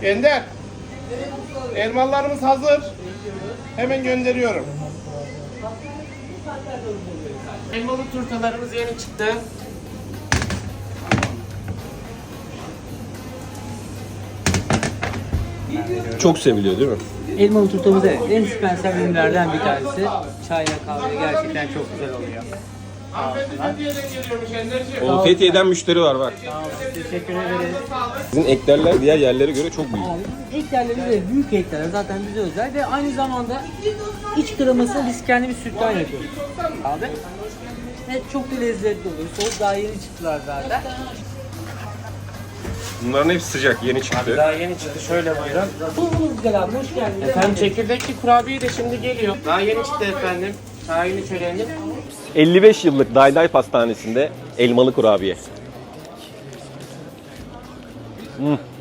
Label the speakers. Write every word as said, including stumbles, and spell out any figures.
Speaker 1: Ender. Elmalarımız hazır. Hemen gönderiyorum. Elmalı turtalarımız yeni çıktı.
Speaker 2: Çok seviliyor değil mi?
Speaker 3: Elmalı turtamız evet en dispensel ürünlerden bir tanesi. Çayla kahve gerçekten çok güzel oluyor.
Speaker 1: Hanımefendi Fethiye'den geliyormuş Ender'ciğim.
Speaker 2: O Fethiye'den müşteri var bak.
Speaker 3: Sağ olun, teşekkür ederiz.
Speaker 2: Sizin eklerler diğer yerlere göre çok büyük.
Speaker 3: Abi bizim eklerlerimiz de büyük ekler zaten bize özel ve aynı zamanda iç kremasını biz kendimiz sütten yapıyoruz. Abi. Evet çok da lezzetli oluyor. Soğuk daha yeni çıktılar zaten.
Speaker 2: Bunların hepsi sıcak, yeni çıktı.
Speaker 1: Daha yeni çıktı. Şöyle buyurun.
Speaker 3: Tuzumuz güzel abi, hoş geldiniz.
Speaker 1: Efendim çekirdekli kurabiye de şimdi geliyor. Daha yeni çıktı efendim. Çayını çöreğini.
Speaker 2: elli beş yıllık Dayday Pastanesi'nde elmalı kurabiye. Hmm.